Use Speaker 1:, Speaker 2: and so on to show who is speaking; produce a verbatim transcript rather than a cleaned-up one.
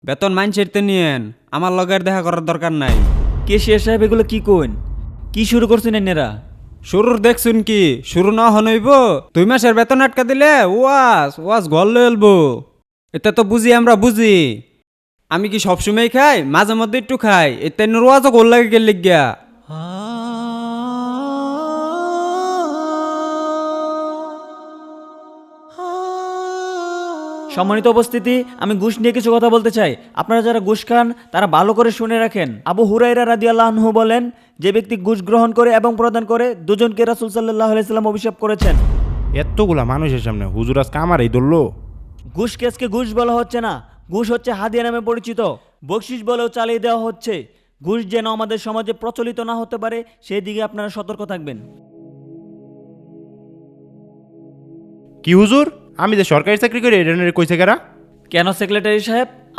Speaker 1: বেতন মাইন ছেড়তে নিয়েন, আমার লগের দেখা করার দরকার নাই।
Speaker 2: কে শের সাহেব এগুলো কি কোন? কি শুরু করছেন এনারা?
Speaker 1: শুরুর দেখছুন কি শুরু না হনইব? দুই মাসের বেতন আটকা দিলে ওয়াস ওয়াস ঘর লয়ে এলবো। এটা তো বুঝি, আমরা বুঝি। আমি কি সবসময় খাই? মাঝে মধ্যে একটু খাই। এতে ওয়াজও গোল লাগে গেলে গিয়া।
Speaker 2: সম্মানিত উপস্থিতি, আমি ঘুষ নিয়ে কিছু কথা বলতে চাই। আপনারা যারা ঘুষ খান তারা ভালো করে শুনে রাখেন। আবু হুরাইরা রাদিয়াল্লাহু আনহু বলেন, যে ব্যক্তি ঘুষ গ্রহণ করে এবং প্রদান করে দুজনকে রাসূল সাল্লাল্লাহু আলাইহি সাল্লাম অভিশাপ করেছেন।
Speaker 3: এতগুলা মানুষের সামনে হুজুর আজকে আমারই ধরলো।
Speaker 2: ঘুষ কেসকে ঘুষ বলা হচ্ছে না, ঘুষ হচ্ছে হাদিয়া নামে পরিচিত। বকশিস বলেও চালিয়ে দেওয়া হচ্ছে। ঘুষ যেন আমাদের সমাজে প্রচলিত না হতে পারে সেই দিকে আপনারা সতর্ক থাকবেন।
Speaker 3: কি হুজুর, আমি যে সরকারি চাকরি করি এটা নিয়ে কইছে কারা?
Speaker 2: কেন সেক্রেটারি সাহেব?